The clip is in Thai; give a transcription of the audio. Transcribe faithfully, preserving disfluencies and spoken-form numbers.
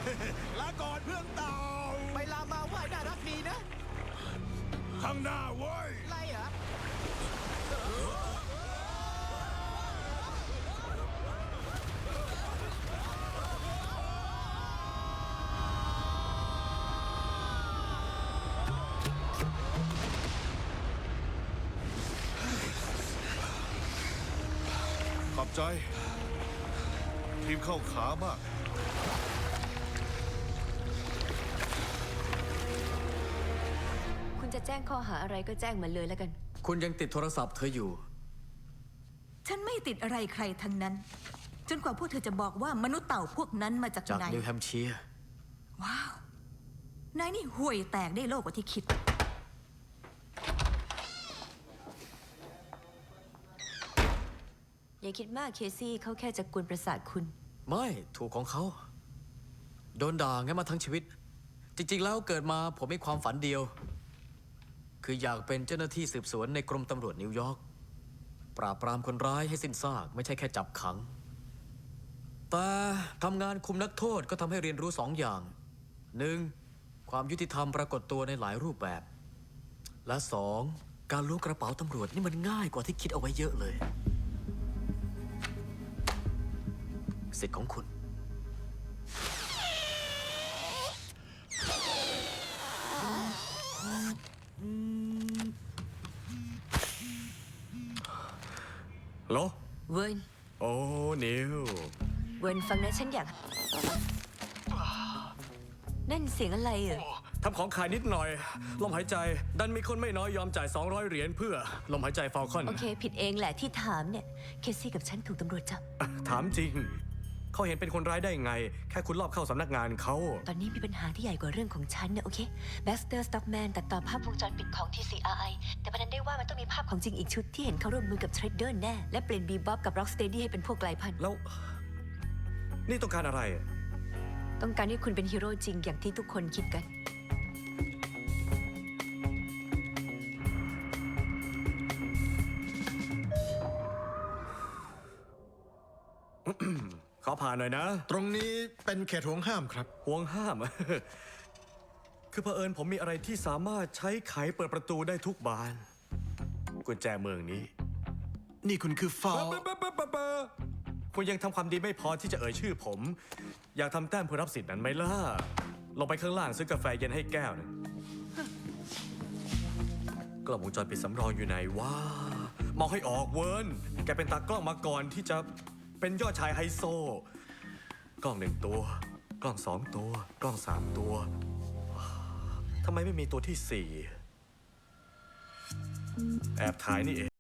ลาก่อนเพื่อนเต่าไปลามาว่ายน่ารักดีนะข้างหน้าเว้ยไรเหรอขอบใจ ทีมเข้าขามากคุณจะแจ้งข้อหาอะไรก็แจ้งมาเลยแล้วกันคุณยังติดโทรศัพท์เธออยู่ฉันไม่ติดอะไรใครทั้งนั้น จนกว่าพวกเธอจะบอกว่ามนุษย์เต่าพวกนั้นมาจากจากไหนนิวแฮมป์เชียร์ว้าว นายนี่ห่วยแตกได้โลกกว่าที่คิดอย่าคิดมากเคซี่เขาแค่จะกวนประสาทคุณไม่ถูกของเขา โดนด่างั้นมาทั้งชีวิต จริง ๆ แล้วเกิดมาผมมีความฝันเดียว คืออยากเป็นเจ้าหน้าที่สืบสวนในกรมตำรวจนิวยอร์กปราบปรามคนร้ายให้สิ้นซากไม่ใช่แค่จับขัง แต่ทำงานคุมนักโทษก็ทำให้เรียนรู้สองอย่างหนึ่งความยุติธรรมปรากฏตัวในหลายรูปแบบ และสองการล้วงกระเป๋าตำรวจนี่มันง่ายกว่าที่คิดเอาไว้เยอะเลยสิทธิ์ของคุณโลเวิร์นโอ้ นิวเวิร์นฟังนะฉันอยาก นั่นเสียงอะไรเหรอทำของขายนิดหน่อย ลมหายใจ ดันมีคนไม่น้อยยอมจ่าย สองร้อย เหรียญเพื่อ ลมหายใจฟอลคอนโอเค ผิดเองแหละที่ถามเนี่ย เคซี่กับฉันถูกตำรวจจับถามจริง เขาเห็นเป็นคนร้ายได้ไง แค่คุณรอบเข้าสำนักงานเขาตอนนี้มีปัญหาที่ใหญ่กว่าเรื่องของฉันเนี่ยโอเคแบ็กสเตอร์สต็อกแมนตัดต่อภาพวงจรปิดของ ที ซี อาร์ ไอ แต่ประเด็นได้ว่ามันต้องมีภาพของจริงอีกชุดที่เห็นเขาร่วมมือกับเทรดเดอร์แน่ และเปลี่ยนบีบ๊อบกับร็อกสเตดี้ให้เป็นพวกไกลพันธุ์แล้ว นี่ต้องการอะไรต้องการให้คุณเป็นฮีโร่จริงอย่างที่ทุกคนคิดกันขอผ่านหน่อยนะตรงนี้เป็นเขตห่วงห้ามครับห่วงห้าม คือเผอิญผมมีอะไรที่สามารถใช้ไขเปิดประตูได้ทุกบาน กุญแจเมืองนี้นี่คุณคือฟาวเปเปเปเปเปคุณยังทำความดีไม่พอที่จะเอ่ยชื่อผม อยากทำแต้มเพื่อรับสิทธิ์นั้นไหมล่ะ ลงไปข้างล่างซื้อกาแฟเย็นให้แก้วหนึงกล้องวงจรปิดสำรองอยู่ไหนวะมองให้ออกเวิร์นแกเป็นตากล้องมาก่อนที่จะเป็นยอดชายไฮโซ กล้องหนึ่งตัว กล้องสองตัว กล้องสามตัว ทำไมไม่มีตัวที่สี่ แอบถ่ายนี่เอง